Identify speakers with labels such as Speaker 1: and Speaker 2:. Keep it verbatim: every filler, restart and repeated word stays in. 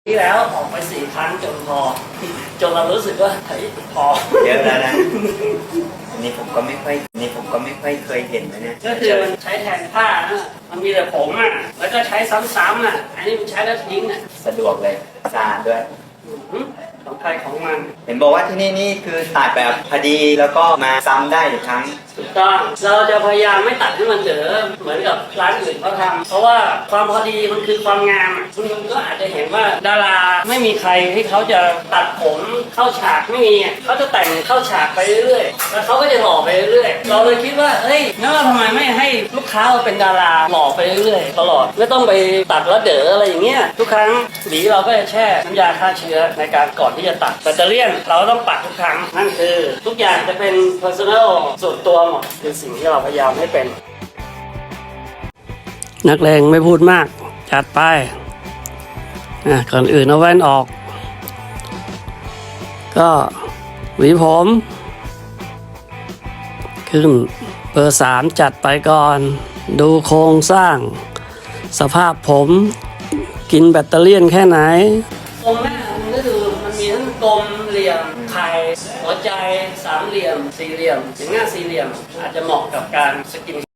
Speaker 1: ที่แล้วออกไปสี่ครั้งจนพอจนเรารู้สึกว่าเฮ้ยพอ
Speaker 2: เยอะแล้วนะอันนี้ผมก็ไม่ค่อยอันนี้ผมก็ไม่ค่อยเคยเห็นนะเนี่ย
Speaker 1: ก็คือมันใช้แทนผ้านะมันมีแต่ผมอ่ะแล้วก็ใช้ซ้ำๆอ่ะอันนี้มันใช้แล้วทิ้งอ่ะ
Speaker 2: สะดวกเลยสะอาดด้วย
Speaker 1: ของใครของมัน
Speaker 2: เห็นบอกว่าที่นี่นี่คือตัดแบบพอดีแล้วก็มาซ้ำได้อีกครั้ง
Speaker 1: ถูกต้องเราจะพยายามไม่ตัดให้มันเด๋อเหมือนกับร้านอื่นเขาทำเพราะว่าความพอดีมันคือความงามคุณก็อาจจะเห็นว่าดาราไม่มีใครที่เขาจะตัดผมเข้าฉากไม่มีเขาจะแต่งเข้าฉากไปเรื่อยๆแล้วเขาก็จะหล่อไปเรื่อยๆเราเลยคิดว่าเฮ้ยงั้นเราทำไมไม่ให้ลูกค้าเราเป็นดาราหล่อไปเรื่อยๆตลอดไม่ต้องไปตัดแล้วเด๋ออะไรอย่างเงี้ยทุกครั้งหวีเราก็จะแช่น้ำยาฆ่าเชื้อในการก่อนที่จะตัดแบตเตอรี่เราต้องปัดทุกครั้งนั่นคือทุกอย่างจะเป็น personal ส่วนตัวหมดคือสิ่งที่เราพยายามให้เป็นนักเลงไม่พูดมากจัดไปอ่ะก่อนอื่นเอาแว่นออกก็หวีผมขึ้นเบอร์สามจัดไปก่อนดูโครงสร้างสภาพผมกินแบตเตอรี่แค่ไหนตรงหน้ามันก็คือมันมีทั้งกลมเหลี่ยมไข่หัวใจสามเหลี่ยมสี่เหลี่ยมอย่างหน้าสี่เหลี่ยมอาจจะเหมาะกับการสกิน